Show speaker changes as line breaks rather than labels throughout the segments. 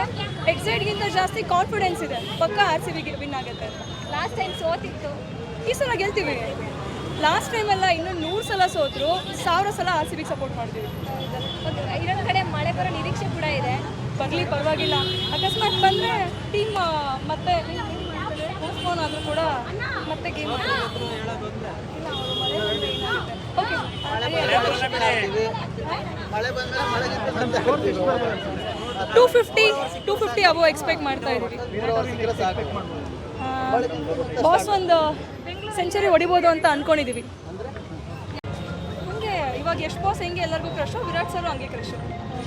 ಎಕ್ಸೈಟ್ಗಿಂತ ಜಾಸ್ತಿ ಕಾನ್ಫಿಡೆನ್ಸ್ ಇದೆ, ಪಕ್ಕ RCB ವಿನ್ ಆಗುತ್ತೆ ಅಂತ.
ಲಾಸ್ಟ್ ಟೈಮ್ ಸೋತಿತ್ತು,
ಈ ಸಲ ಗೆಲ್ತೀವಿ. ಲಾಸ್ಟ್ ಟೈಮೆಲ್ಲ ಇನ್ನೂ 100 ಸಲ ಸೋತರು, 1000 ಸಲ RCB ಸಪೋರ್ಟ್ ಮಾಡ್ತೀವಿ.
ಇನ್ನೊಂದು ಕಡೆ ಮಳೆ ಬರೋ ನಿರೀಕ್ಷೆ ಕೂಡ ಇದೆ.
ಬರಲಿ, ಪರವಾಗಿಲ್ಲ. ಅಕಸ್ಮಾತ್ ಬಂದರೆ ಟೀಮ್ ಮತ್ತೆ ಪೋಸ್ಟ್ಪೋನ್ ಆದರೂ ಕೂಡ ಮತ್ತೆ ಗೇಮ್ ಓಕೆ. 250 ಅಬೋ ಎಕ್ಸ್ಪೆಕ್ಟ್ ಮಾಡ್ತಾ ಇದ್ದೀವಿ. ಬಾಸ್ ಒಂದು ಸೆಂಚುರಿ ಹೊಡಿಬೋದು ಅಂತ ಅನ್ಕೊಂಡಿದ್ದೀವಿ. ಹಂಗೆ ಇವಾಗ ಯಶ್ ಬಾಸ್ ಹೆಂಗೆ ಎಲ್ಲರಿಗೂ ಕ್ರಶು, ವಿರಾಟ್ ಸರ್ ಹಂಗೆ crush.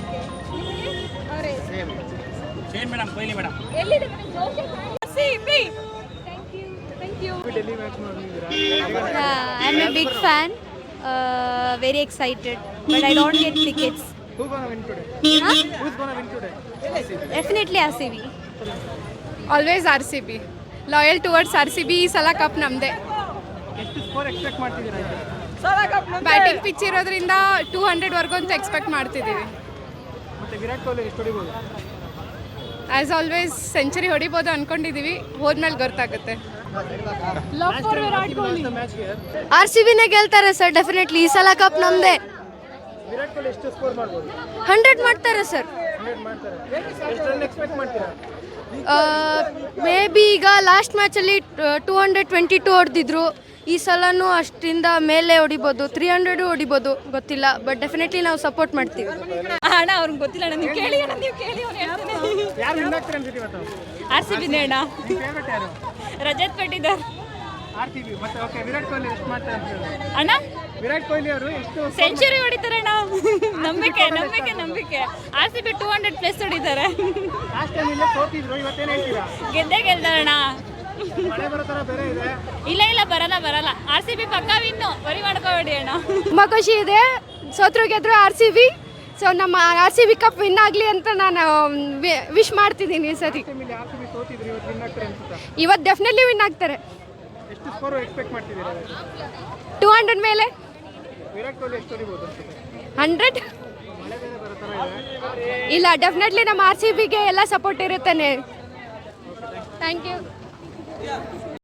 I'm a big fan, very excited, but I don't get tickets.
Who's gonna win today? Who's gonna win today?
Definitely RCB.
Always RCB, loyal towards RCB. ಈ ಸಲ ಕಪ್ ನಮ್ಮದೇ.
ಎಷ್ಟು ಸ್ಕೋರ್ ಎಕ್ಸ್ಪೆಕ್ಟ್ ಮಾಡ್ತಿದ್ದೀರಾ?
Batting pitch ಇರೋದ್ರಿಂದ 200 ಅಂತ expect ಮಾಡ್ತಿದ್ದೀವಿ.
ಮತ್ತೆ ವಿರಾಟ್ ಕೊಹ್ಲಿ ಎಷ್ಟು ಹೊಡಿಬೋದು?
ಆ್ಯಸ್ ಆಲ್ವೇಸ್ ಸೆಂಚುರಿ ಹೊಡಿಬೋದು ಅಂದ್ಕೊಂಡಿದ್ದೀವಿ, ಹೋದ್ಮೇಲೆ ಗೊತ್ತಾಗುತ್ತೆ.
RCBನೇ ಗೆಲ್ತಾರೆ ಸರ್, ಡೆಫಿನೆಟ್ಲಿ. ಈ ಸಲ ಕಪ್ ನಮ್ಮದೇ.
ವಿರಾಟ್ ಕೊಹ್ಲಿ ಎಷ್ಟು ಸ್ಕೋರ್ ಮಾಡ್ಬೋದು?
100 ಮಾಡ್ತಾರೆ ಸರ್.
100 ಮಾಡ್ತಾರೆ. ಎಷ್ಟು ರನ್ ಎಕ್ಸ್ಪೆಕ್ಟ್ ಮಾಡ್ತೀರಾ?
ಮೇ ಬಿ ಈಗ ಲಾಸ್ಟ್ ಮ್ಯಾಚಲ್ಲಿ 222 ಹೊಡೆದಿದ್ರು. ಈ ಸಲನೂ ಅಷ್ಟರಿಂದ ಮೇಲೆ ಹೊಡಿಬೋದು, 300 ಹೊಡಿಬೋದು, ಗೊತ್ತಿಲ್ಲ. ಬಟ್ ಡೆಫಿನೆಟ್ಲಿ ನಾವು ಸಪೋರ್ಟ್ ಮಾಡ್ತೀವಿ.
ಅಣ್ಣ ಅವ್ರಿಗೆ ಗೊತ್ತಿಲ್ಲ ಅಣ್ಣ, ನೀವು ಕೇಳಿ ಅಣ್ಣ, ನೀವು ಕೇಳಿ. ಅವ್ರು ಹೇಳ್ತಾನೆ
ಯಾರು ವಿನ್ ಆಗ್ತಾರೆ ಅನ್ಸುತ್ತೆ ಇವತ್ತು?
RCB ಅಣ್ಣ.
ನಿಮ್ಮ ಫೇವರೇಟ್ ಯಾರು?
ರಜತ್ ಪಟ್ಟಿದಾರ್
RCB. ಮತ್ತೆ ಓಕೆ, ವಿರಾಟ್ ಕೊಹ್ಲಿ ಎಷ್ಟು ಮಾಡ್ತಾರೆ ಅಂತ ಹೇಳಿ?
ಅಣ್ಣ
ವಿರಾಟ್ ಕೊಹ್ಲಿ ಅವರು ಎಷ್ಟು
ಸೆಂಚುರಿ ಹೊಡಿತಾರೆ ಅಣ್ಣ. ನಂಬಿಕೆ RCB 200+ ಹೊಡಿತಾರೆ.
ಲಾಸ್ಟ್ ಟೈಮ್ ಇಲ್ಲೇ ಸೋತಿದ್ರು, ಇವತ್ತೇನು ಹೇಳ್ತೀರಾ?
ಗೆದ್ದೇ ಗೆಲ್ತಾರಣ್ಣ.
ಮಳೆ ಬರೋ ಥರ ಬೇರೆ ಇದೆ.
ಇಲ್ಲ ಬರಲ್ಲ. RCB ಪಕ್ಕ ವಿನ್ನು, ವರಿ ಮಾಡ್ಕೋಬೇಡಿ ಅಣ್ಣ.
ತುಂಬ ಖುಷಿ ಇದೆ, ಸೋತ್ರು ಗೆದ್ರು RCB. ಸೊ ನಮ್ಮ RCB ಕಪ್ ವಿನ್ ಆಗಲಿ ಅಂತ ನಾನು ವಿಶ್ ಮಾಡ್ತಿದ್ದೀನಿ ಈ ಸರಿ.
ಟೈಮ್ ಇಲ್ಲಿ RCB ಸೋತಿದ್ರು, ಇವತ್ತು ವಿನ್ ಆಗ್ತಾರೆ ಅನ್ಸುತ್ತಾ?
ಇವತ್ತು ಡೆಫಿನೆಟ್ಲಿ ವಿನ್ ಆಗ್ತಾರೆ.
ಎಷ್ಟು ಸ್ಕೋರ್ ಎಕ್ಸ್ಪೆಕ್ಟ್ ಮಾಡ್ತಿದ್ದೀರಾ?
200 ಮೇಲೆ.
ವಿರಾಟ್ ಕೊಹ್ಲಿ ಎಷ್ಟು ಹೊಡಿಬೋದು ಅನ್ಸುತ್ತೆ?
100.
ಮಳೆ ಬೇರೆ ಬರೋ ಥರ ಇದೆ.
ಇಲ್ಲ, ಡೆಫಿನೆಟ್ಲಿ ನಮ್ಮ RCBಗೆ ಎಲ್ಲ ಸಪೋರ್ಟ್ ಇರುತ್ತಾನೆ. Thank you.